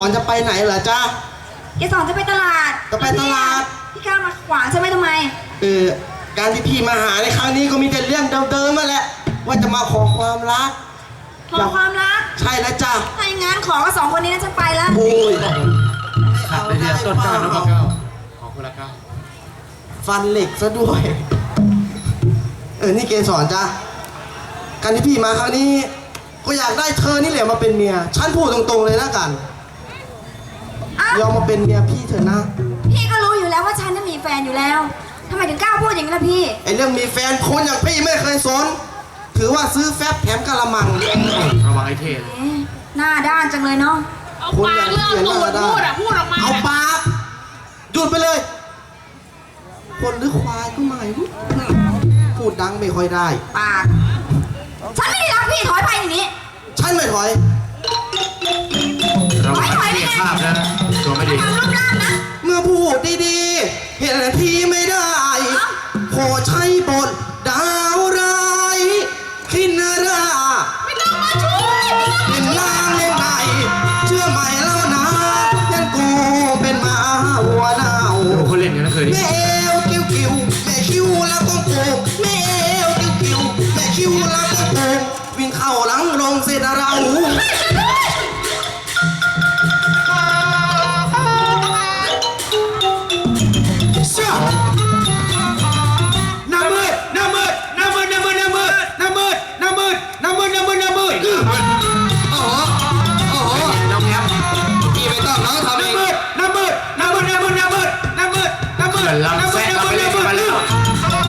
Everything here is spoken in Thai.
ก่อนจะไปไหนเหรอจ๊ะเกสรจะไปตลาดจะไปตลาดพี่ก้าวมาขวางใช่ไหมทำไมการที่พี่มาหาในครั้งนี้ก็มีแต่เรื่องเดิมๆมาแหละว่าจะมาขอความรักขอความรักใช่แล้วจ้ะถ้าอย่างงั้นขอกับสองคนนี้นะฉันไปแล้วโอ้ยขาดไปเดียวต้นก้าวแล้วก็ขอคนละก้าวฟันเหล็กซะด้วยนี่เกสรจ้ะการที่พี่มาครั้งนี้ก็อยากได้เธอนี่แหละมาเป็นเมียฉันพูดตรงๆเลยนะกันยอมมาเป็นเมียพี่เถอะนะพี่ก็รู้อยู่แล้วว่าฉันน่ะมีแฟนอยู่แล้วทำไมถึงกล้าพูดอย่างนี้ล่ะพี่ไอเรื่องมีแฟนคนอย่างพี่ไม่เคยสนถือว่าซื้อแฟบแถมกะละมังระวังไอ้เทศหน้าด้านจังเลยเนาะเอาปากเลิกตูดพูดออกมาเอาปากหยุดไปเลยคนหรือควายก็ไม่รู้พูดดังไม่ค่อยได้ปากฉันไม่ได้รักพี่ถอยไปอย่างนี้ฉันไม่ถอยเราไม่เสียภาพนะตัวไม่ดีเมื่อพูดดีๆเห็นทีไม่ได้ขอใช้บทดาวร้ายคินราไม่ต้องมาช่วยเป็นนางเล่นไหนเชื่อไหมแล้วนะยังกูเป็นหมาหัวเน่าเขาเล่นกันนะเคยแม่เอวกิ้วกิ้วแม่คิ้วแล้วต้องโกงแม่เอวกิ้วกิ้วแม่คิ้วแล้วต้องโกงวิ่งเข้าหลังลงเสร็จเรา